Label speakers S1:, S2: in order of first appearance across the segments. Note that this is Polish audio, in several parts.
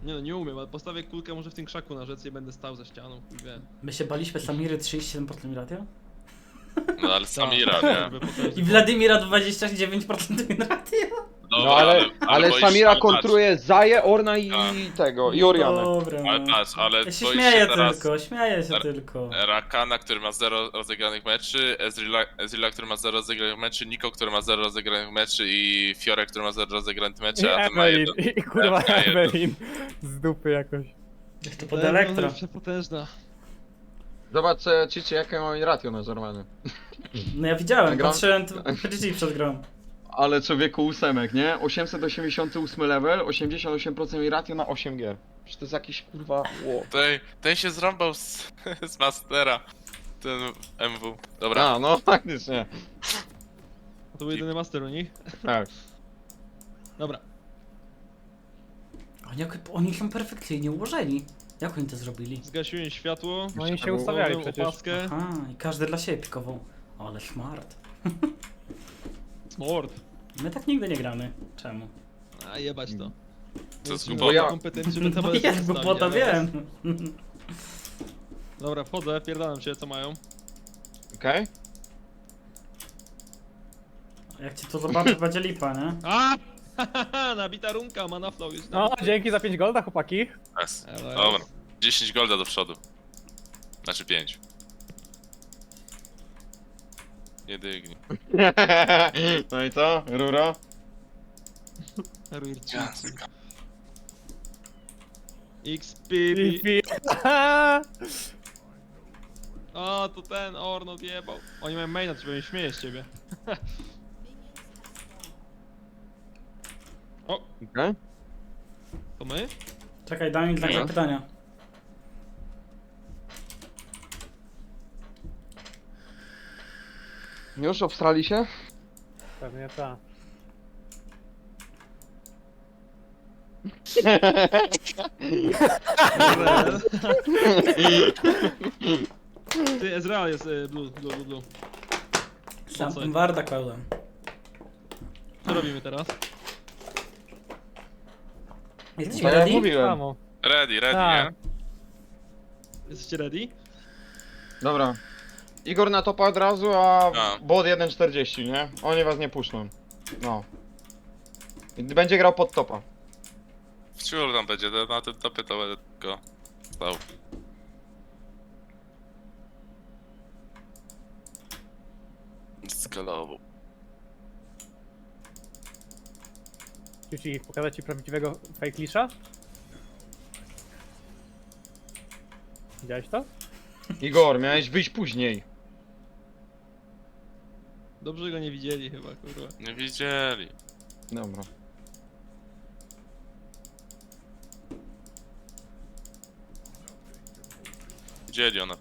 S1: Nie no, nie umiem, ale postawię kulkę może w tym krzaku na rzece i będę stał za ścianą. I wiem.
S2: My się baliśmy Samiry 37% ratio
S3: No ale Samira, nie?
S2: i Wladimira 29% ratio.
S3: Dobra,
S4: No ale
S3: boisz-
S4: Samira
S3: ale patrz,
S4: kontruje Zaję, Orna i
S3: Tak.
S4: tego, i Orianę.
S2: Dobra,
S3: Ale
S2: no.
S3: patrz, ale
S2: Ja się
S3: boisz
S2: śmieję
S3: teraz
S2: tylko, śmieję się tylko.
S3: Rakana, który ma 0 rozegranych meczy, Ezreala, który ma 0 rozegranych meczy, Niko, który ma 0 rozegranych meczy i Fiore, który ma 0 rozegranych meczy, a ten ma
S5: Evelyn,
S3: jeden.
S5: i kurwa
S3: F1.
S5: Evelyn. Z dupy jakoś.
S2: Jak to pod elektro.
S1: Przepotężna.
S4: Zobacz, Cici, jakie mam ratio na Zormany.
S2: No ja widziałem,
S4: Nagram?
S2: patrzyłem PGG przed grą.
S4: Ale człowieku ósemek, nie? 888 level, 88% mi ratio na 8 gier. Przecież to jest jakiś kurwa... Wow.
S3: Ten się zrąbał z Mastera, ten MW. Dobra,
S4: A, no faktycznie.
S1: To był jedyny master u nich.
S4: Tak.
S1: Dobra.
S2: Oni są perfekcyjnie ułożeni. Jak oni to zrobili?
S1: Zgasiłem światło.
S5: No oni się ustawiali
S1: Położyłem
S5: przecież.
S1: opaskę.
S2: A, i każdy dla siebie pikował. Ale smart.
S1: Smart.
S2: My tak nigdy nie gramy. Czemu?
S1: A jebać to.
S3: To jest
S1: Bo
S3: głupota.
S1: ja kompetencje, żeby
S2: Bo
S1: tabelę
S2: jest, bo
S1: zostawić,
S2: to
S1: ale-
S2: wiem.
S1: Dobra, wchodzę, pierdalam cię, co mają.
S4: Okej?
S2: Jak ci to zobaczy, będzie lipa, nie?
S1: A! Nabita runka, mana flow już
S5: No,
S1: nabity.
S5: dzięki za 5 golda, chłopaki.
S3: Yes.
S1: Ale-
S3: Dobra, 10 golda do przodu. Znaczy 5. Nie dygnij.
S4: No i co? Ruro?
S1: Ruirci.
S3: Gwiazdka.
S1: XPP.
S5: Pi.
S1: O, to ten Orn odjebał. Oni mają maina, to się śmieje z ciebie. O,
S4: Okej.
S1: to my?
S2: Czekaj, daj mi znak
S4: Nie.
S2: zapytania.
S4: Już obstrali się?
S5: Pewnie ta.
S1: Ty, Ezreal jest blue.
S2: Sam Warda kładłem.
S1: Co robimy teraz?
S2: Jesteśmy
S4: Tak jak
S2: ready?
S4: mówiłem.
S5: Samo.
S3: Ready,
S5: Tak.
S3: nie?
S1: Jesteście ready?
S4: Dobra. Igor na topa od razu, a
S3: A.
S4: bot 1.40, nie? Oni was nie puszczą. No. I będzie grał pod topa.
S3: Wciul tam będzie, na tym topie to będę go stał. Skalował.
S5: Ci pokazać ci prawdziwego fake lisza? Widziałeś to?
S4: Igor, miałeś wyjść później.
S1: Dobrze go nie widzieli chyba, kurwa.
S3: Nie widzieli.
S4: Dobra.
S3: Widzieli ona.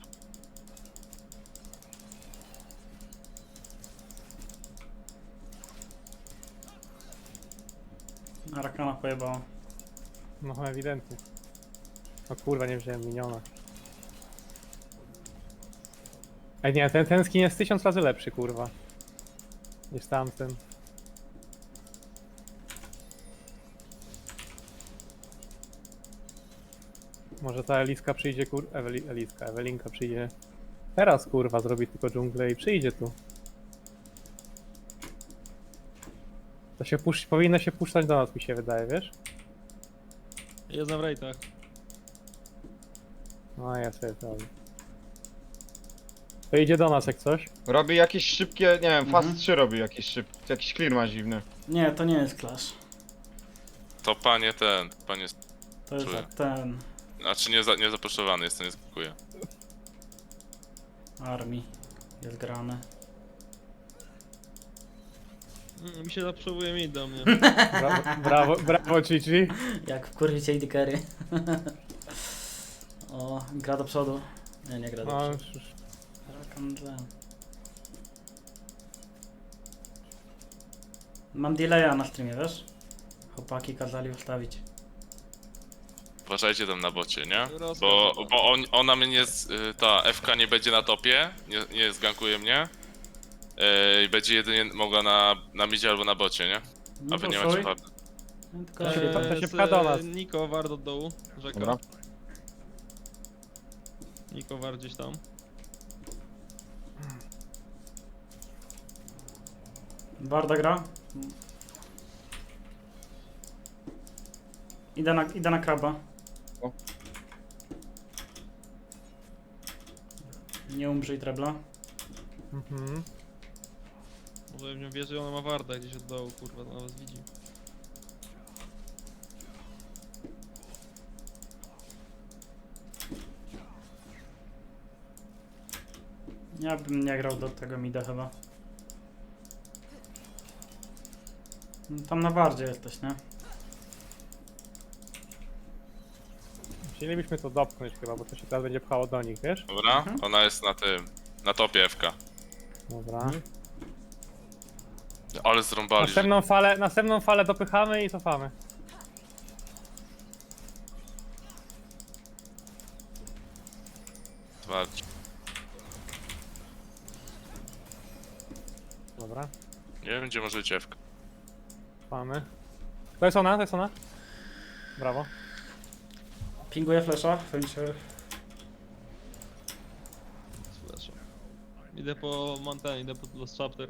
S2: Arakana pojebała.
S5: No ewidentnie. O kurwa, nie wziąłem miniona. Ej nie, ten skin jest 1000 razy lepszy, kurwa. Niż tamten. Może ta Eliska przyjdzie, Ewelinka przyjdzie. Teraz kurwa zrobi tylko dżunglę i przyjdzie tu. To się powinno się puszczać do nas, mi się wydaje, wiesz?
S1: Jest na rejtach.
S5: No ja sobie to robię. To idzie do nas jak coś.
S4: Robi jakieś szybkie, nie wiem, fast
S2: Mhm.
S4: 3 robi jakieś szybkie, jakiś clear ma dziwny.
S2: Nie, to nie jest Clash.
S3: To panie ten, panie...
S2: To jest
S3: Czuję.
S2: ten...
S3: Znaczy nie zapuszczowany jest, to nie skakuje.
S2: Armii. Jest grane.
S1: Mi się zaprzewuje mid do mnie.
S5: Brawo Chichi.
S2: Jak wkurwicie AD carry. O, gra do przodu. Nie gra do
S5: No,
S2: przodu. Rakan Jen. Mam delaya na streamie, wiesz? Chłopaki kazali ustawić.
S3: Uważajcie tam na bocie, nie?
S1: Rozkaz.
S3: Bo ona mnie nie... ta FK nie będzie na topie, nie zgankuje mnie. I będzie jedynie mogła na midzie albo na bocie, nie?
S2: No
S3: A wy nie
S2: poszuj.
S3: macie farmy.
S2: Tylko
S5: To się pcha do nas.
S1: Niko ward od dołu, rzeka.
S4: Dobra.
S1: Niko ward gdzieś tam.
S2: Warda gra. Idę na kraba.
S4: O.
S2: Nie umrzyj trebla.
S5: Mhm.
S1: Może w nią wierzy, ona ma warda gdzieś od dołu, kurwa, to nas widzi.
S2: Ja bym nie grał do tego mida chyba. Tam na wardzie jesteś, nie?
S5: Chcielibyśmy to dopchnąć chyba, bo to się teraz będzie pchało do nich, wiesz?
S3: Dobra, ona jest na tym, na topie FK.
S5: Dobra.
S3: Ale zrąbali.
S5: Następną falę dopychamy i cofamy.
S3: Dwa.
S5: Dobra,
S3: Nie wiem, gdzie może być FK.
S5: cofamy. To jest ona, to jest ona. Brawo.
S2: Pinguję flesza, chęcie.
S1: Słyszę. Idę po Mountain, idę po Lost Chapter.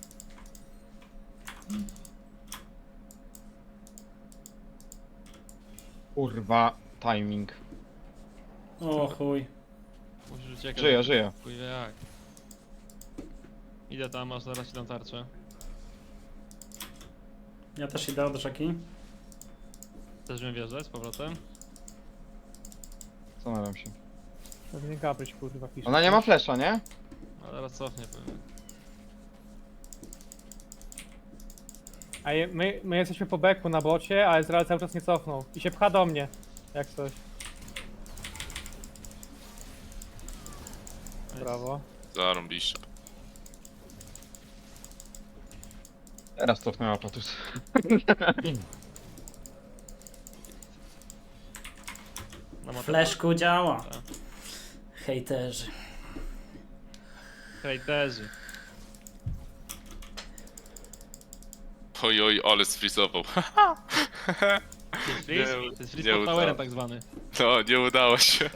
S4: Kurwa, timing.
S2: O chuj.
S1: Musisz uciekać.
S4: Żyję.
S1: Chuj wie jak. Idę tam, aż zaraz ci dam tarczę.
S2: Ja też idę od rzeki.
S1: Chcesz mnie wjeżdżać z powrotem?
S4: Zastanawiam się.
S5: Pewnie Gabryś kurwa pisze.
S4: Ona nie ma flesza, nie?
S1: A teraz cofnie pewnie.
S5: A my jesteśmy po beku na bocie, a Ezreal cały czas nie cofnął. I się pcha do mnie. Jak coś. Brawo.
S3: Zarąbiście.
S4: Teraz cofnęła Patus.
S1: Na matę.
S2: Fleszku działa.
S1: Tak.
S2: Hejterzy.
S1: Hejterzy.
S3: Oj, ale sfrizował.
S1: To jest freeze?
S3: Nie,
S1: To jest
S3: nie
S1: freeze pod
S3: udało.
S1: towerem tak zwany.
S3: No, nie udało się.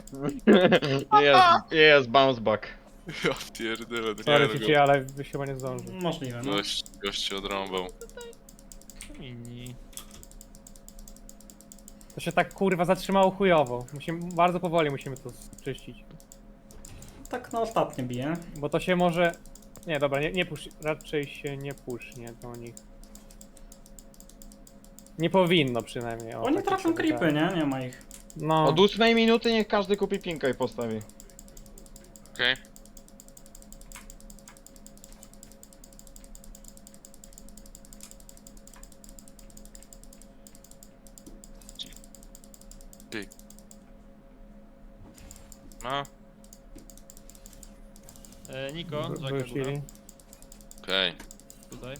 S4: Jest bounce back.
S3: Ja pierdolę,
S5: Sorry
S3: nie
S5: Cici, ale byś chyba nie zdążył.
S2: Możliwe, no.
S3: Gość się odrąbał.
S1: Inni.
S5: To się tak kurwa zatrzymało chujowo. Bardzo powoli musimy to czyścić.
S2: Tak na ostatnie bije.
S5: Bo to się może... Nie, dobra, nie push, raczej się nie pushnie do nich. Nie powinno przynajmniej. O,
S2: Oni
S5: tak mi
S2: trafią
S5: się
S2: creepy,
S5: wydaje.
S2: nie? Nie ma ich.
S5: No,
S4: Od 8 minuty niech każdy kupi pinka i postawi.
S3: Okej. Ty. No,
S1: Niko, Jacka góra.
S5: wrócili.
S3: okej.
S1: Tutaj.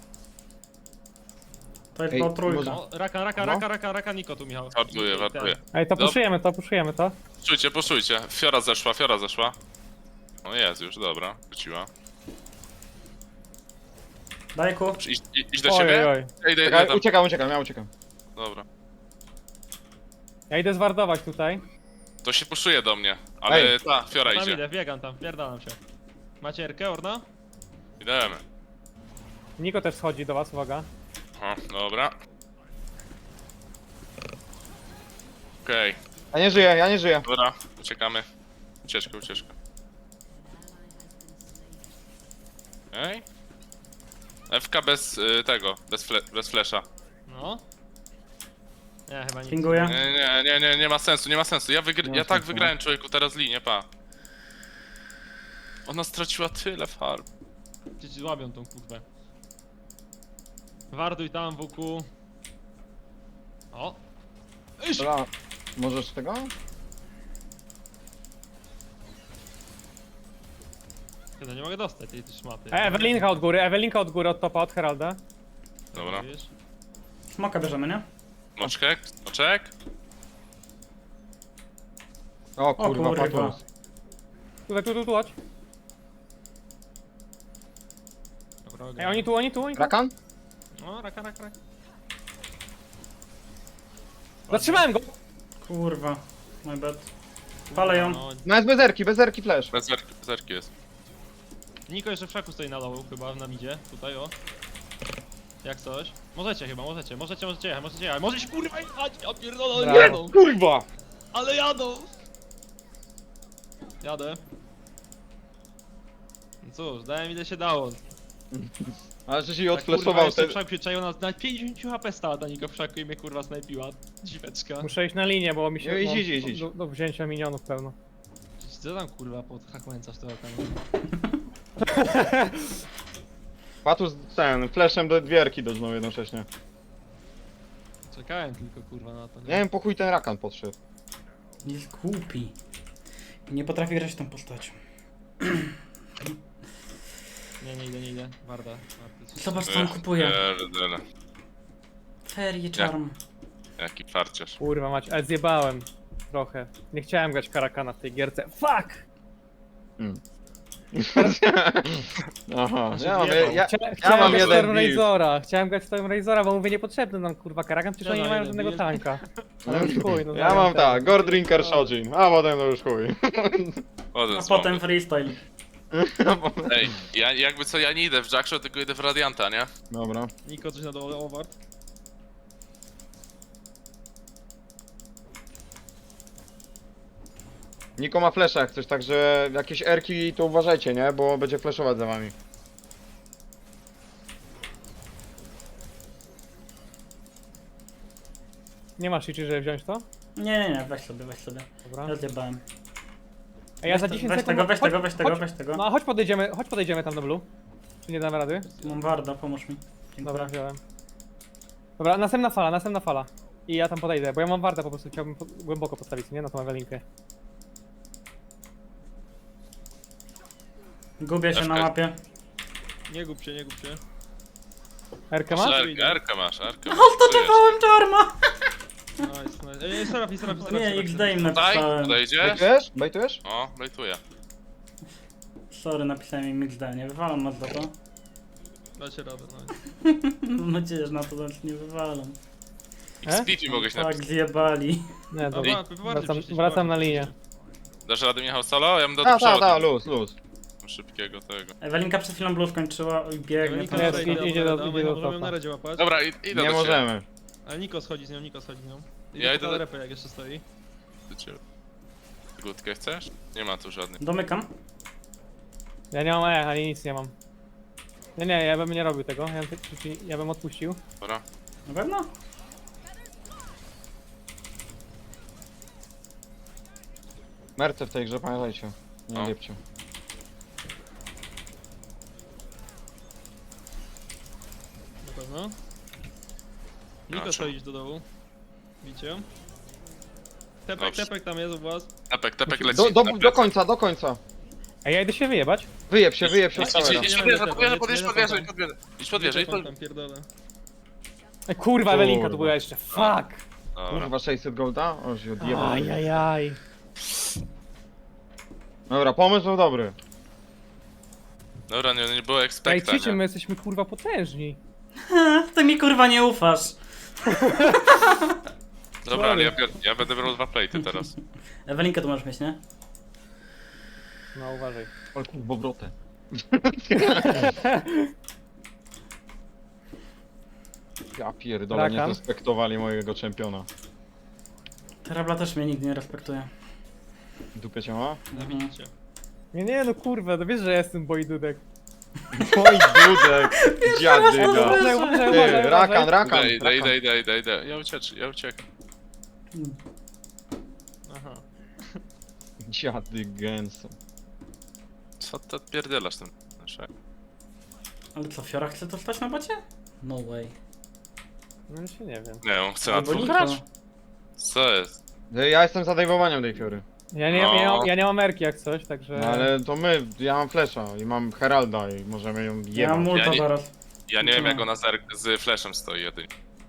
S2: To jest
S4: Ej,
S2: była trójka.
S4: może-
S1: O, raka, Niko tu, Michał.
S3: Wartuję.
S5: Ej, to
S3: Dob-
S5: puszujemy to.
S3: Puszujcie. Fiora zeszła. O jest już, dobra, wróciła.
S2: Daj ku.
S3: Idź do
S5: Oj,
S3: siebie?
S5: oj.
S3: Idę
S4: Czekaj,
S3: tam.
S4: uciekam, ja uciekam.
S3: Dobra.
S5: Ja idę zwardować tutaj.
S3: To się puszuje do mnie, ale
S4: Ej.
S3: ta, Fiora
S1: Tam
S3: idzie.
S1: idę, biegam tam, pierdalam się. Macie Erkę, Orna?
S3: Idemy.
S5: Niko też schodzi do was, uwaga.
S3: O, dobra. Okej,
S4: Ja nie żyję.
S3: dobra, uciekamy. Ucieczka. Okej. FK bez tego, bez flesza.
S1: No. Nie, chyba nic.
S2: Pinguję.
S3: Nie ma sensu.
S4: Nie ma
S3: Ja tak
S4: sensu,
S3: wygrałem, człowieku, teraz linię, pa. Ona straciła tyle farm.
S1: Ci złabią tą kurwę. Warduj tam, WQ. O! Iść!
S4: Dobra, możesz tego?
S1: Kiedy nie mogę dostać tej szmaty.
S5: Ewelinka od góry, od topa, od Heralda.
S3: Dobra.
S1: Wiesz?
S2: Smoka bierzemy, nie?
S3: Moczek.
S4: O kurwa,
S2: kurwa.
S4: Patus.
S5: Tu, chodź.
S1: Dobra,
S5: Ej, oni tu.
S4: Rakan?
S1: No, raka.
S5: Zatrzymałem go!
S2: Kurwa. My bad. Palę ją.
S1: No,
S4: No jest bez erki flash.
S3: Bez zerki jest.
S1: Niko jeszcze w szaku stoi na dołu, chyba na midzie. Tutaj, o. Jak coś. Możecie chyba, możecie jechać. Możecie kurwa jechać! Ja pierdolę, ale
S5: Brawo.
S1: jadą!
S4: Kurwa!
S1: Ale jadą! Jadę. No cóż, dałem ile się dało.
S4: Ale że się jej
S1: Kurwa,
S4: odflashował
S1: jeszcze
S4: ten...
S1: w szaku się czaił na 50 HP stała ta Niko w szaku i mnie kurwa snajpiła. Dziweczka.
S5: Muszę iść na linię, bo mi się...
S4: No, idź,
S5: mam
S4: idź.
S5: Do wzięcia minionów pełno.
S1: Co tam kurwa pod hakłęcasz to tam?
S4: Patus ten, flashem do dwierki dożnął jednocześnie.
S1: Czekałem tylko kurwa na to.
S4: Nie wiem, po chuj ten Rakan podszedł.
S2: Jest głupi. Nie potrafi grać tą postacią.
S1: Nie idę. Warda.
S2: Zobacz co on kupuje.
S3: Pierdele.
S2: Ferie charm.
S3: Jaki farciarz.
S5: Kurwa mać, ale zjebałem. Trochę. Nie chciałem grać Karakana w tej gierce. Fuck!
S4: Aha,
S1: Znaczy,
S4: ja mam,
S1: wjebał.
S5: Chciałem
S4: mam
S5: grać
S4: jeden
S5: Storm
S4: build.
S5: Razora. Chciałem grać Storm Razora, bo mówię niepotrzebny nam kurwa Karakan, przecież oni nie mają
S1: jeden
S5: żadnego
S1: build.
S5: tanka. Ale już chuj, no
S4: Ja mam
S5: zająłem
S4: tak,
S5: ten.
S4: Gord Drinker Shojin, a potem to już chuj.
S2: A potem freestyle.
S3: Ej, ja jakby co, ja nie idę w Jackshaw, tylko idę w Radianta, nie?
S4: Dobra.
S1: Niko coś na dole, Oward.
S4: Niko ma flasha jak coś, także jakieś erki to uważajcie, nie? Bo będzie flashować za wami.
S5: Nie masz liczy, żeby wziąć to?
S2: Nie, weź sobie.
S5: Dobra.
S2: Ja zjebałem.
S5: Ej, ja za
S2: Weź
S5: 10
S2: weź
S5: sekund...
S2: tego, weź
S5: chodź-
S2: tego, weź tego,
S5: chodź-
S2: weź tego.
S5: No chodź podejdziemy tam do blue. Czy nie damy rady?
S2: Mam warda, pomóż mi. Dziękuję.
S5: Dobra, wziąłem. Dobra, następna fala. I ja tam podejdę, bo ja mam wartę po prostu, chciałbym głęboko postawić, nie? Na tą Ewelinkę.
S2: Gubię się na
S3: Ewka.
S2: mapie.
S1: Nie gub się.
S5: Erkę masz?
S3: Erkę masz, Erkę masz.
S2: Odtotowałem charma!
S1: Nice. Ej, Seraf.
S2: Nie, XD im
S3: Tutaj,
S2: napisałem.
S3: podejdziesz?
S4: Bejtujesz? Bejtujesz?
S3: O, bejtuję.
S2: Sorry, napisałem im XD, nie wywalam was za to.
S1: Dacie radę, no.
S2: Mam nadzieję, że na to nie wywalam.
S3: XP mogłeś
S2: Tak,
S3: napisać.
S2: zjebali.
S5: Nie, dobra.
S1: Dobra,
S5: Wracam na linię.
S3: Dasz radę Michał solo? Ja bym do
S4: Ta,
S3: przodu.
S4: luz.
S3: Szybkiego tego.
S2: Ewelinka przed chwilą blue skończyła i biegnie
S1: Niko
S2: tam.
S5: Jest, idzie do
S1: Możemy ją
S5: topa.
S1: na redzie łapać.
S3: Dobra, idę
S4: Nie
S3: do ciebie.
S4: możemy.
S1: Ale Niko schodzi z nią.
S3: Ja idę do-
S1: repę jak jeszcze stoi.
S3: Do ciebie. Gutkę chcesz? Nie ma tu żadnych.
S2: Domykam.
S5: Ja nie mam ani nic nie mam. Nie, ja bym nie robił tego, ja bym odpuścił.
S3: Dobra.
S2: Na pewno?
S4: Merce w tej grze, pamiętajcie. Nie
S3: O.
S4: liepcie.
S1: Na pewno. Niko
S3: Proszę.
S1: schodzi do dołu. Widzicie ją?
S3: Dobrze.
S1: Tepek tam jest u was.
S3: Tepek leci.
S4: Do końca.
S5: Ej, ja idę się wyjebać.
S4: Wyjeb się
S3: Idź
S4: od towera.
S3: Idź pod wieżę.
S1: Tam pierdolę.
S5: Ej, kurwa, Ewelinka
S4: Kurwa.
S5: tu była jeszcze, fuck!
S3: Dobra.
S4: Kurwa, 600 golda? O, się odjebał.
S5: Ajajaj.
S4: Dobra, pomysł był dobry.
S3: Dobra, nie było
S5: Ej,
S3: expecta,
S5: przy czym my
S3: nie?
S5: jesteśmy kurwa potężni.
S2: Ty mi kurwa nie ufasz.
S3: Dobra, ale ja będę brał 2 plate'y teraz.
S2: Ewelinkę tu możesz mieć, nie?
S5: No uważaj.
S4: Ale kurwa, obrotę. Ja pierdolę, nie
S5: Rakan?
S4: respektowali mojego czempiona.
S2: Terabla też mnie nigdy nie respektuje.
S4: Dupie cię ma?
S1: Widzicie.
S5: Nie, no kurwa, no wiesz, że ja jestem bojdudek.
S4: Oj, dudek, dziadyga. Ty, Rakan.
S3: Idę. Ja uciekam.
S1: Aha.
S4: Dziady gęso.
S3: Co ty odpierdalasz tym?
S2: Ale co, Fiora chce to stać na bocie? No way.
S5: No się nie wiem.
S3: Nie, on chce na
S2: Albo
S3: dwóch
S2: Niko.
S3: grać? Co jest?
S4: Ja jestem za dajwowaniem tej fiory.
S5: Ja nie mam erki jak coś, także...
S4: No ale to ja mam flesza i mam Heralda i możemy ją
S2: Ja mam
S4: jebać.
S2: multa
S3: Ja nie-
S2: zaraz.
S3: Ja nie wiem jak
S2: Co?
S3: ona z flashem stoi jedynie.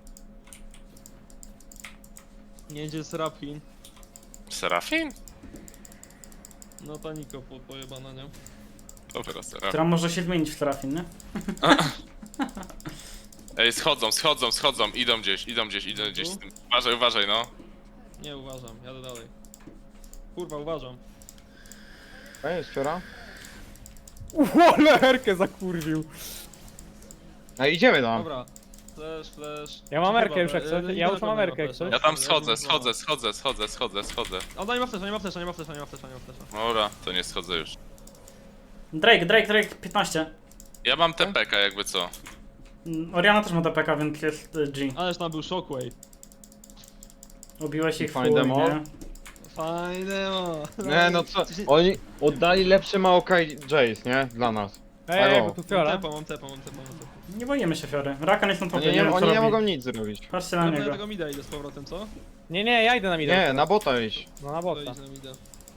S1: Nie idzie Serafin.
S3: Serafin?
S1: No ta Niko pojebana, nie?
S3: Dobra, Serafin.
S2: Która może się zmienić w Serafin, nie?
S3: Ej, schodzą, idą gdzieś z tym. Uważaj, no.
S1: Nie uważam, jadę dalej. Kurwa, uważam.
S4: Ej, Fiora?
S5: Ale Erkę zakurwił.
S4: Ej, idziemy tam.
S1: Dobra. Flash.
S5: Ja mam Erkę już
S1: Dobra,
S5: jak coś.
S1: idę
S5: Ja już
S1: na
S5: mam
S1: pewno
S5: Erkę jak
S1: flasha.
S5: coś.
S3: Ja tam
S1: Ja
S3: schodzę.
S1: A no nie ma flesza.
S3: Dobra, to nie schodzę już.
S2: Drake, 15.
S3: Ja mam TPK jakby co.
S2: Oriana też ma DPK, więc jest G.
S1: Ależ tam był shockwave.
S2: Ubiłeś ich w
S4: Fajne
S2: chuj,
S4: demo.
S2: nie?
S1: Fajne
S4: Nie, no co? Oni oddali lepsze Maokai Jace, nie? Dla nas.
S5: Ej, bo tu Fiora.
S1: Mam tepa.
S2: Nie boimy się Fiory. Rakan jest na topie,
S4: Oni
S2: nie
S4: nie,
S2: wiem co
S4: oni nie
S2: robi.
S4: mogą nic zrobić.
S2: Patrzcie na
S1: Dobra, ja
S2: niego.
S1: tego mida idę z powrotem, co?
S5: Nie, ja idę na mida.
S4: Nie, na bota iść.
S5: No na
S1: To
S5: bota.
S1: idź na mida.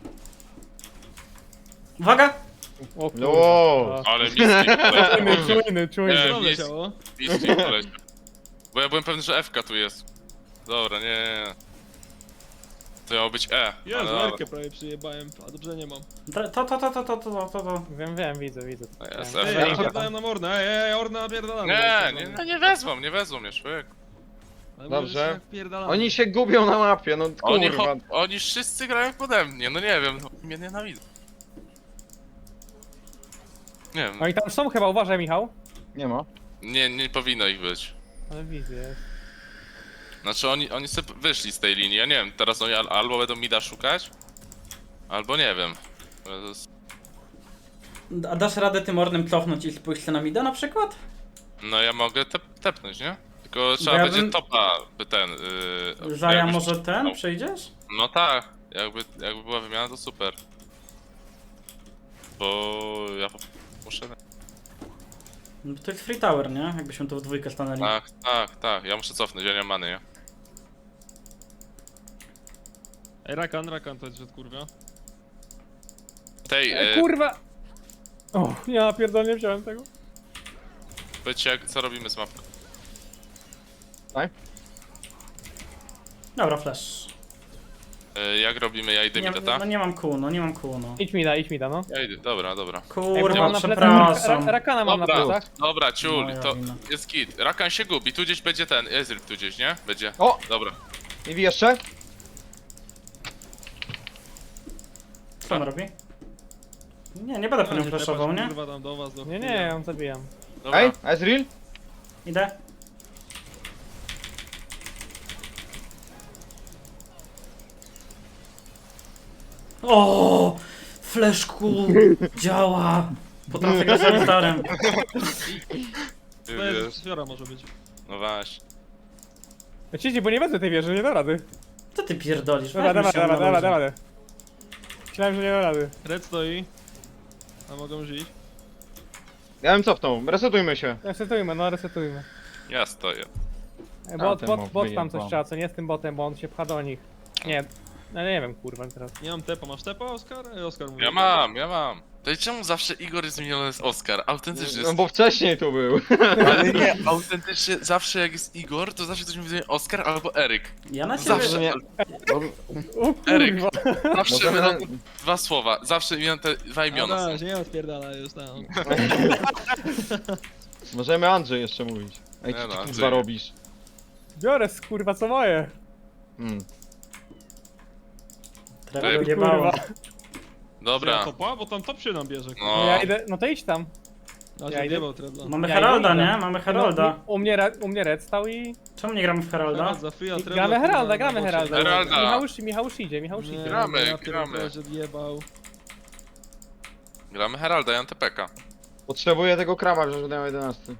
S2: Uwaga!
S5: O kurwa.
S4: Wow.
S3: Ale miski
S5: Czujny.
S3: Nie,
S1: Co
S3: mis-
S1: leciało?
S3: miski poleciał. Bo ja byłem pewny, że FK tu jest. Dobra, nie. To miało być E.
S1: Jezu,
S3: ale dobra.
S1: Erkę prawie przyjebałem, a dobrze nie mam.
S2: To.
S5: Wiem, widzę.
S3: To jest
S1: Ej,
S3: FK.
S1: ja pierdałem na Mornę, ej, Orna napierdalamy.
S3: Nie wezmą mnie, człowiek.
S4: Dobrze. Oni się gubią na mapie, no kurwa.
S3: Oni wszyscy grają pode mnie, no nie wiem, no, mnie nienawidzą. Nie wiem,
S5: Oni tam są chyba, uważaj Michał.
S4: Nie ma.
S3: nie powinno ich być.
S5: Ale widzę.
S3: Znaczy oni sobie wyszli z tej linii, ja nie wiem, teraz oni albo będą mida szukać, albo nie wiem. To jest...
S2: A dasz radę tym ornem cofnąć i pójść na mida na przykład?
S3: No ja mogę tepnąć, nie? Tylko trzeba
S2: ja
S3: będzie
S2: bym-
S3: topa, by ten...
S2: Zaja
S3: jakbyś-
S2: może ten?
S3: no.
S2: Przejdziesz?
S3: No tak, jakby była wymiana to super. Bo ja muszę...
S2: No to jest free tower, nie? Jakbyśmy tu w dwójkę stanęli.
S3: Tak, ja muszę cofnąć, ja nie mam many, nie?
S1: Ej, Rakan to jest, że kurwa.
S3: Tej,
S5: Kurwa! O, ja pierdolę, nie wziąłem tego.
S3: powiedzcie co robimy z mapką.
S2: Dobra, flash.
S3: Jak robimy, ja idę
S2: Nie,
S3: mida, tak?
S2: no nie mam kół, no.
S5: Idź mida, no.
S3: Ja idę, dobra.
S5: Ej, bo
S2: Kurwa,
S5: mam na plecach
S2: przepraszam.
S5: Rakana mam na
S3: Dobra.
S5: plecach.
S3: Dobra, ciul,
S2: Moja
S3: to
S2: wina.
S3: jest git. Rakan się gubi, tu gdzieś będzie ten, Ezreal tu gdzieś, nie? Będzie.
S4: O!
S3: Dobra.
S4: I jeszcze?
S2: Co on robi? Nie będę po nią flashował, nie?
S1: Kurwa tam do was, do
S5: Nie, ja ją zabijam.
S3: Dobra.
S4: Ej, Ezreal?
S2: Idę. O, fleszku działa. Potrafię grać starym.
S3: Ty
S1: To
S3: wiesz.
S1: jest Fiora może być.
S3: No właśnie.
S5: Cici, bo nie wezmę tej wieży, nie da rady.
S2: Co ty pierdolisz?
S5: Dobra,
S2: Weźmy się na luzie.
S5: dobra. Myślałem, że nie da rady.
S1: Red stoi. A mogą żyć.
S4: Ja bym cofnął, resetujmy się.
S5: Resetujmy.
S3: Ja stoję.
S5: Bot
S4: ten mob
S5: tam
S4: wyjebał.
S5: coś trzeba, co nie z tym botem, bo on się pcha do nich. Nie, no nie wiem kurwa teraz.
S1: Nie mam tepa, masz tepa, Oskar? Oskar mówi.
S3: Ja mam. To i czemu zawsze Igor jest zmieniony z Oskar? Autentycznie
S4: No
S3: jest...
S4: bo wcześniej tu był.
S3: Ale nie, autentycznie zawsze jak jest Igor, to zawsze ktoś mi mówi Oskar albo Eryk.
S2: Ja na ciebie...
S3: Zawsze,
S4: Nie.
S5: O
S3: Eryk.
S5: kurwa.
S3: Zawsze
S4: Możemy-
S3: będą dwa słowa, zawsze miałem te dwa imiona.
S1: No,
S3: są.
S1: nie odpierdala już tam.
S4: Możemy Andrzej jeszcze mówić. Ej,
S3: Nie
S4: co
S3: no,
S4: ty
S3: Andrzej.
S4: kurwa robisz?
S5: Biorę kurwa co moje.
S2: Trochę
S3: Ej,
S2: odjebało.
S5: kurwa.
S3: Dobra.
S1: Topa? Bo tam top się nam bierze.
S3: No.
S5: No ja idę, no to idź tam.
S1: A
S5: ja
S1: się
S5: idę.
S1: wjebał Trebla.
S2: Mamy
S5: Ja
S2: Heralda,
S5: idę.
S2: nie? Mamy Heralda.
S5: No, u mnie Red stał i...
S2: Czemu nie gramy w Heralda?
S1: Herald za free, a Trebla,
S5: Gramy
S1: kurwa,
S5: Heralda,
S1: na
S5: gramy
S1: bocie.
S5: Heralda.
S3: Heralda.
S5: Michał już idzie.
S1: Nie,
S3: Gramy,
S1: ja
S3: gramy.
S1: pierdolę, że odjebał.
S3: Gramy Heralda, ja mam TPK.
S4: Potrzebuję tego kraba, że dają 11.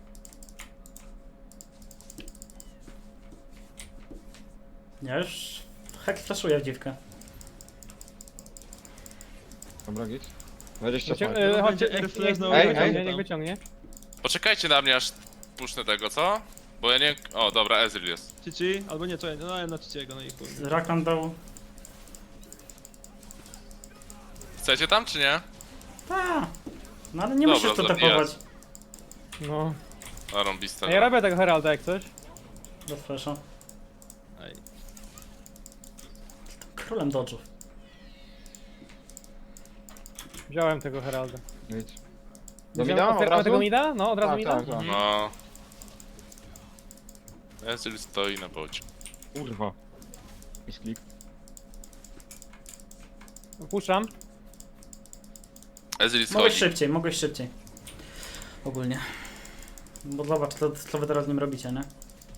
S2: Ja już... Hek flashuję w dziwkę.
S4: Dobra, git. 20
S5: Chodźcie,
S4: sekund.
S5: chodźcie,
S1: Będzie
S5: niech
S1: airflash na
S4: Ej,
S1: ulicy.
S5: niech wyciągnie.
S3: Poczekajcie na mnie aż puszczę tego, co? Bo ja nie... O, dobra, Ezreal jest.
S1: Cici, albo nie, czekaj, no na Ciciego, no i chuj.
S2: Rakan dał...
S3: Chcecie tam, czy nie?
S2: Ta. No ale nie
S3: Dobra,
S2: musisz to
S3: zabijać.
S2: tapować.
S5: No.
S3: A rąbiste.
S5: Ja robię tego Heralda jak coś.
S2: Bez flasha.
S1: Ej.
S2: Królem dodge'ów.
S5: Wziąłem tego Heralda.
S4: Git. Do
S5: Wziąłem-
S4: mida od
S5: otwieramy
S4: razu?
S5: tego mida? No, od razu
S4: Tak,
S5: mida?
S4: tak, tak.
S3: No, Ezreal stoi na bocie.
S4: Kurwa. Misklik.
S5: Puszczam.
S3: Ezreal
S2: Mogłeś
S3: schodzi.
S2: szybciej. Ogólnie. Bo zobacz, co wy teraz z nim robicie, nie?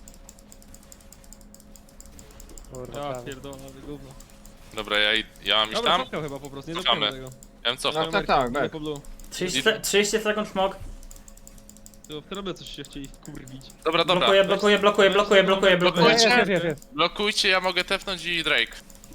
S5: Kurwa,
S1: Ja
S5: prawie.
S1: pierdolę, ale gówno.
S3: Dobra, ja mam iść
S1: Dobra,
S3: tam?
S1: cofnął chyba po prostu, nie
S3: Cofamy.
S1: dotknąłem tego.
S3: Ja bym cofnął.
S4: Tak,
S1: Idę
S4: back.
S1: po blue.
S2: 30 sekund smog.
S1: To w trobie coś się chcieli kurwić.
S3: Dobra, dobra.
S2: Blokuję.
S5: Jest.
S3: Blokujcie, ja mogę tepnąć i Drake.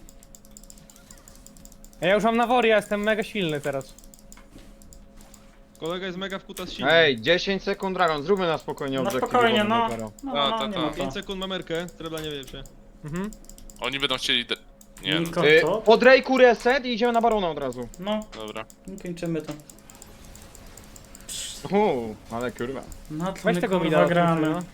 S5: Ja już mam nawory, ja jestem mega silny teraz.
S1: Kolega jest mega w kutas silny.
S4: Ej, 10 sekund Dragon, zróbmy na spokojnie
S2: No
S4: obiektyw.
S2: spokojnie, no.
S4: Dopiero.
S2: Nie ma
S1: 5
S2: co.
S1: sekund mamerkę, trebla nie wie się.
S5: Mhm.
S3: Oni będą chcieli... Nie, no,
S2: Niko, co?
S4: Po Drake'u reset i idziemy na Barona od razu.
S2: No,
S3: dobra.
S2: kończymy to.
S4: Ale kurwa.
S2: No to
S5: Weź
S2: my
S5: tego
S2: kurwa
S5: mida.
S2: gramy.
S5: No.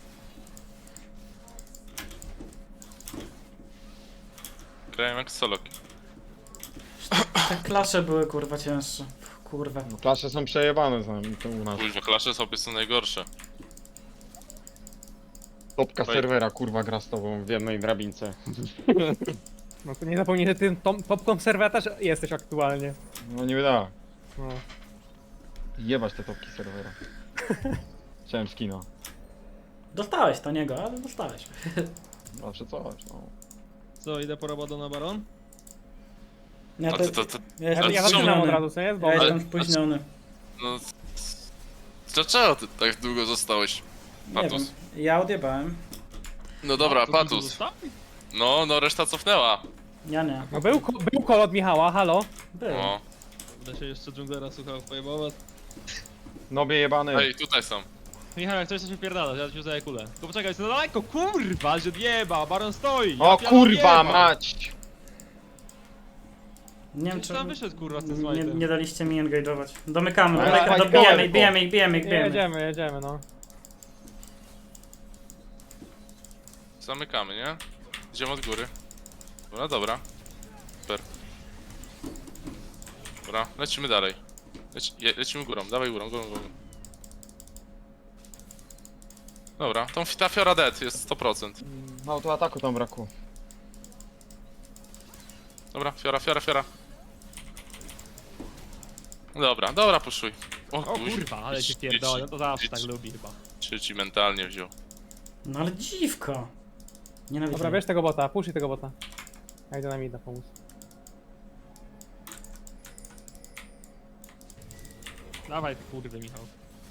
S3: Grałem jak solo.
S2: Te klasze były kurwa cięższe. Kurwa.
S4: Klasze są przejebane z nami, to u nas.
S3: Kuźwa, klasze sobie są najgorsze.
S4: Topka
S3: Oj.
S4: serwera kurwa gra z tobą w jednej drabince.
S5: No to nie zapomnij, że ty topką serwera też jesteś aktualnie.
S4: No nie wyda.
S5: No.
S4: Jebać te topki serwera. Chciałem skina.
S2: Dostałeś to niego, ale dostałeś.
S4: Zawsze coś, no.
S1: Co, idę po robotę na baron?
S2: Ja,
S3: A
S2: to,
S3: to
S2: ja
S5: Ja,
S2: jestem
S5: ja
S3: czemu?
S5: zaczynam od
S2: spóźniony.
S5: razu, co jest? Bo
S2: Ja
S3: Ale-
S2: jestem spóźniony.
S3: no... Dlaczego ty tak długo zostałeś?
S2: Nie wiem.
S3: Patus.
S2: Ja odjebałem.
S3: No dobra,
S1: To
S3: Patus.
S1: zostawi?
S3: No reszta cofnęła.
S2: Ja nie.
S5: No był kol od Michała, halo?
S2: Był.
S3: No.
S1: Będę się jeszcze dżunglera słuchał, pojebować.
S4: Nobie jebany.
S3: Ej, tutaj są.
S1: Michał, jak coś to się wpierdala, ja ci uzaję kulę. Tylko poczekaj, jest na daleko, kurwa, że jeba, baron stoi!
S4: O
S1: Ja
S4: kurwa
S1: jeba.
S4: mać!
S2: Nie wiem
S1: Gdzieś
S2: czy...
S1: tam wyszedł kurwa z tym
S2: Nie,
S1: smajtem.
S2: nie daliście mi engage'ować. Domykamy,
S4: Ale
S2: domykamy,
S4: fajnie,
S2: dobijamy,
S4: fajnie.
S2: bijemy.
S5: Jedziemy, no.
S3: Zamykamy, nie? Idziemy od góry. No dobra. Super. Dobra, lecimy dalej. Lecimy górą, dawaj górą. Dobra, ta fiora dead jest 100%.
S4: No to ataku tam brakło.
S3: Dobra, fiora. Dobra, puszuj.
S1: O kurwa, ale się pierdolę, no to zawsze tak
S3: idź.
S1: lubi chyba.
S3: Czy ci mentalnie wziął?
S2: No ale dziwko. Nienawidzę.
S5: Dobra, bierz tego bota, puszczaj tego bota. Ja idę na mida pomóc.
S1: Dawaj kurwy, Michał.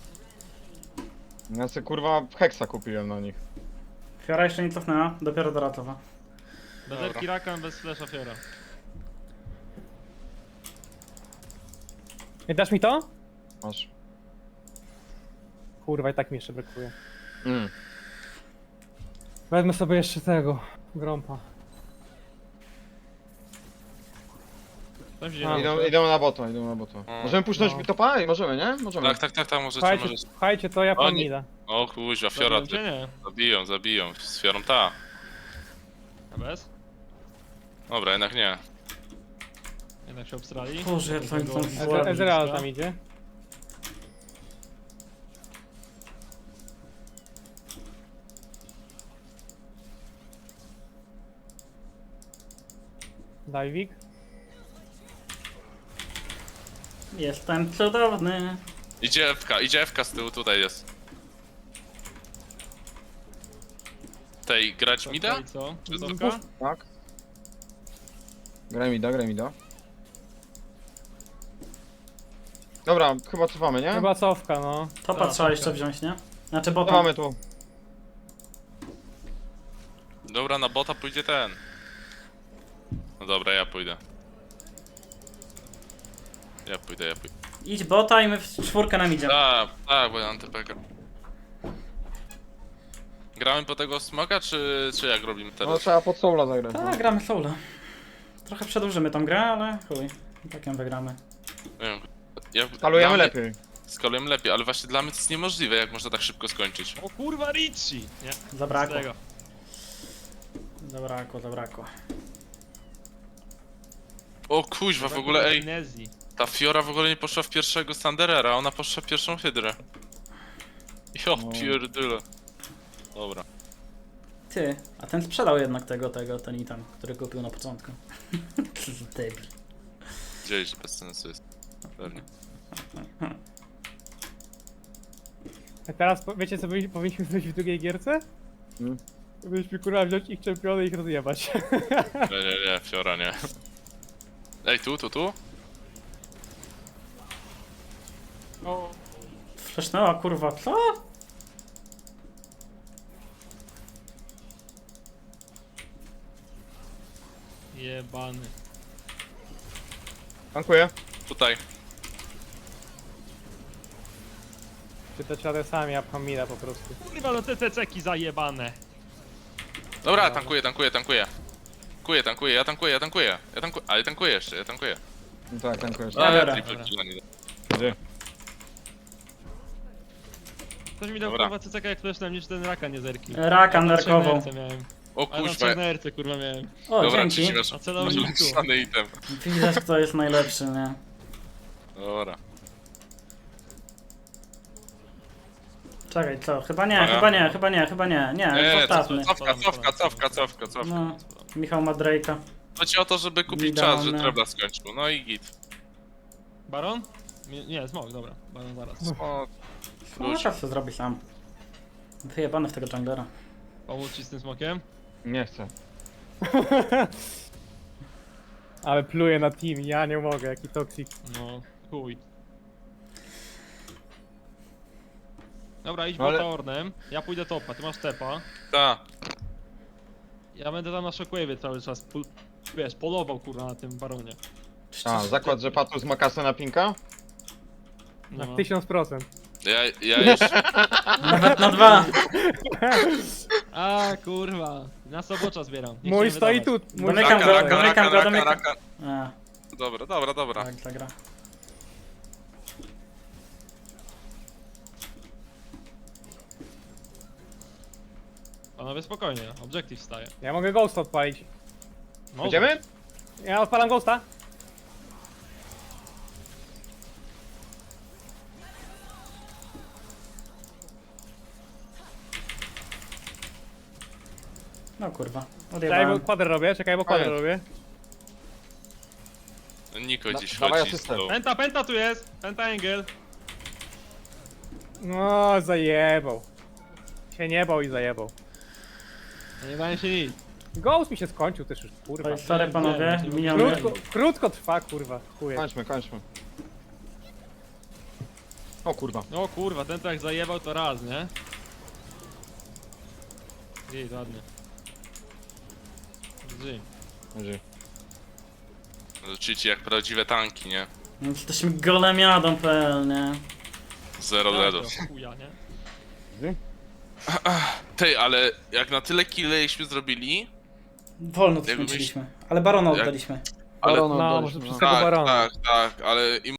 S4: Ja sobie kurwa heksa kupiłem na nich.
S2: Fiora jeszcze nie cofnęła, dopiero do ratowa.
S1: Bez
S3: Dobra.
S1: epki rakan, bez flasha fiora.
S5: Nie dasz mi to?
S4: Masz.
S5: Kurwa, i tak mi jeszcze brakuje.
S4: Mm.
S5: Wezmę sobie jeszcze tego, grompa.
S1: Tam się
S5: A.
S1: dzieje.
S4: Idą na bota. Możemy puszczać
S5: No.
S4: topa? Możemy, nie? Możemy.
S3: Tak, możecie,
S5: Słuchajcie,
S3: możecie.
S5: słuchajcie, to ja pan
S3: Oni-
S5: mida.
S3: O kuźwa, fiora
S1: Dobrze, nie?
S3: zabiją. Z fiorą ta.
S1: A bez?
S3: Dobra, jednak nie.
S1: Jednak się obstrali.
S2: Boże, jak oni są
S1: Tego-
S2: słabi.
S5: Ezreal tam idzie. Dajwik.
S2: Jestem cudowny.
S3: Idzie FK z tyłu, tutaj jest. Tej, grać mida?
S1: I co?
S3: Czy
S1: Wysoko?
S4: Tak. Graj mi da. Dobra, chyba cofamy, nie?
S5: Chyba cofka, no.
S2: Topa
S1: Tak,
S2: trzeba
S1: tak.
S2: jeszcze wziąć, nie? Znaczy bota.
S4: Cofamy tu.
S3: Dobra, na bota pójdzie ten. No dobra, ja pójdę. Ja pójdę.
S2: Idź bota i my w czwórkę nam idzie.
S3: Tak, bo ja mam TPK. Gramy po tego smoka, czy jak robimy
S4: No
S3: teraz?
S4: trzeba pod soula zagrać. no.
S2: Tak, gramy soula. Trochę przedłużymy tą grę, ale chuj. I tak ją wygramy.
S3: Nie wiem. Ja,
S4: Skalujemy
S3: dla mnie-
S4: lepiej.
S3: Skalujemy lepiej, ale właśnie dla mnie to jest niemożliwe, jak można tak szybko skończyć.
S1: O kurwa, Richie! Nie,
S2: Zabrakło.
S1: z tego.
S2: Zabrakło.
S3: O kuźwa, w ogóle ej,
S1: Amnezji.
S3: ta Fiora w ogóle nie poszła w pierwszego Sanderera, ona poszła w pierwszą Hydrę. Jo,
S4: No.
S3: pierdyle. Dobra.
S2: Ty, a ten sprzedał jednak ten item, który kupił na początku. Co za debil.
S3: Gdzieś bez sensu jest. Pewnie.
S5: A teraz wiecie co powinniśmy zrobić w drugiej gierce?
S4: Hmm?
S5: Byliśmy kurwa wziąć ich czempiony i ich rozjebać.
S3: Nie, Fiora nie. Ej, tu?
S5: O,
S2: Flashnęła kurwa, co?
S1: Jebany.
S4: Dziękuję.
S3: Tutaj.
S5: czy to trzeba sami, ja pcham mida po prostu.
S1: Kurwa, no te ceki zajebane.
S3: Dobra, tankuję. Ale tankuję jeszcze, ja tankuję.
S4: No tak, dziękuję.
S2: Dobra.
S3: Triple kill, nie.
S4: Gdzie?
S1: Ktoś mi dał
S3: Dobra.
S1: kurwa CCK jak flash na mnie, czy ten raka nie zerki.
S2: Raka
S1: Ja na
S2: nerkową.
S1: trzech miałem.
S3: O
S1: Ale na
S3: kuźwa.
S1: czarnerce kurwa miałem.
S2: O,
S3: Dobra,
S2: dzięki.
S3: czy masz
S1: A celownik tu.
S3: ulepszony item.
S2: Widać kto jest najlepszy, nie?
S3: Dobra.
S2: Czekaj, co? Chyba nie,
S3: Dobra.
S2: chyba nie. Nie,
S3: Nie,
S2: zostawmy.
S3: cofka.
S2: No, Michał ma Drake'a.
S3: Chodzi o to, żeby kupić
S2: Idealne.
S3: czas, że Trebla skończył. No i git.
S1: Baron? Nie, smok, dobra. Baron zaraz.
S3: O,
S2: No, co zrobi sam. Wyjebany w tego junglera.
S1: Pomóc ci z tym smokiem?
S4: Nie chcę.
S5: Ale pluję na team, ja nie mogę, jaki toksik.
S1: No, chuj. Dobra, idź
S4: Ale-
S1: bota Ornem, ja pójdę topa, ty masz tepa.
S3: ta.
S1: Ja będę tam na shockwave'ie cały czas, wiesz, polował kurwa na tym baronie.
S4: A, zakład, że Patus ma kasę na pinka?
S1: No.
S5: Na 1000%.
S3: Ja jeszcze...
S2: Nawet na 2.
S1: A kurwa, na sobocza zbieram. nie
S5: Mój
S1: chciałem
S5: stoi
S1: wydawać.
S5: tu, mój
S2: Domykam
S5: stoi
S2: go, domykam go, domykam.
S3: raka.
S2: A,
S3: Dobra.
S2: tak, zagra.
S1: Panowie spokojnie, objective staje.
S5: Ja mogę ghosta odpalić.
S1: No,
S4: Idziemy?
S5: Ja odpalam ghosta.
S2: No kurwa,
S5: Czekaj, bo
S2: odjebałem.
S5: kwadr robię, czekaj, bo kwadr
S4: Koniec.
S5: robię.
S3: Niko dziś
S4: dawaj
S3: chodzi z
S4: asystę.
S3: tą...
S1: Penta tu jest! Penta angle!
S5: No, zajebał. Się nie bał i zajebał.
S1: Nie bałem się nic.
S5: Ghost mi się skończył też już, kurwa.
S2: Oj, sorry panowie,
S1: nie,
S2: miniony.
S5: Krótko trwa, kurwa, chuje.
S4: Kończmy. O kurwa.
S1: O kurwa, ten to jak zajebał to raz, nie? Jej, ładnie. Gdzie?
S4: Gdzie?
S3: Rzucicie jak prawdziwe tanki, nie?
S2: No, jesteśmy golemiadą.pl, nie?
S3: Zero deadów.
S1: Chuja, nie?
S3: Tej, ale jak na tyle killeśmy zrobili...
S2: Wolno to
S3: Jakby
S2: skończyliśmy. Ale barona
S3: jak-
S2: oddaliśmy.
S3: Ale...
S4: Barona
S5: No,
S4: oddaliśmy,
S5: może
S4: no.
S5: przez tego barona.
S3: Tak, ale im